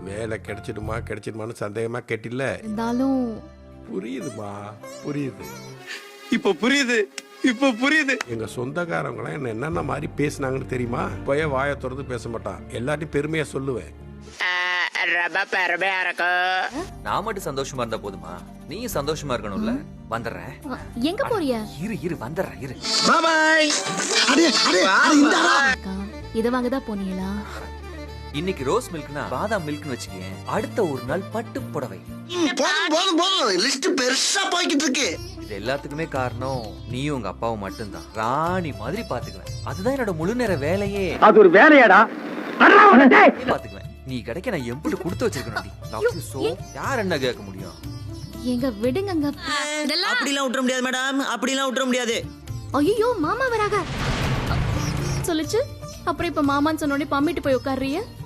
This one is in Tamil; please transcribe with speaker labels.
Speaker 1: வேலை கிடைச்சிடுமான்னு சந்தேகமா கேட்டில்ல.
Speaker 2: இருந்தாலும்
Speaker 1: புரியுதுமா, புரியுது.
Speaker 3: இப்ப புரியுது.
Speaker 1: எங்க சொந்தக்காரங்க என்ன என்னென்ன மாதிரி பேசினாங்கன்னு தெரியுமா? போய் வாயை திறந்து பேச மாட்டான், எல்லாத்தையும் பெருமையா சொல்லுவேன்.
Speaker 4: ரொம்ப பெருமையா இருக்கு.
Speaker 5: நான் மட்டும் சந்தோஷமா இருந்தா போதுமா? நீயும் சந்தோஷமா இருக்கணும்ல. வந்துடுறேன்.
Speaker 2: எங்க போறிய?
Speaker 5: இரு வந்துடுறேன் இரு.
Speaker 3: பாய்.
Speaker 2: அக்கா, இத வாங்கதான் போனீங்களா?
Speaker 5: இன்னைக்கு ரோஸ் மில்க்னா பாதாம் மில்க்னு வச்சுக்கேன். அடுத்த ஒரு நாள் பட்டு புடவை.
Speaker 3: போதும் லிஸ்ட் பெருசா போய்கிட்டு இருக்கு.
Speaker 5: இது எல்லாத்துக்குமே காரணம் நீயும் உங்க அப்பாவும் மட்டும்தான். ராணி மாதிரி பாத்துக்குவேன். அதுதான் என்னோட முழு நேர வேலையே.
Speaker 6: அது ஒரு வேலையாடா?
Speaker 5: பாத்துக்குவேன். நீ கிடைக்க நான் எம்பிட்டு கொடுத்து வச்சிருக்கேன். யார் என்ன கேட்க முடியும்?
Speaker 2: எங்க விடுங்கங்க.
Speaker 4: அப்படிலாம் விட்டுற முடியாது மேடம், அப்படிலாம் விட்டுற முடியாது.
Speaker 2: ஐயோ, மாமா வராங்க சொல்லுச்சு. அப்புறம் இப்ப மாமான்னு சொன்னோடனே பம்மிட்டு போய் உட்கார்றிய.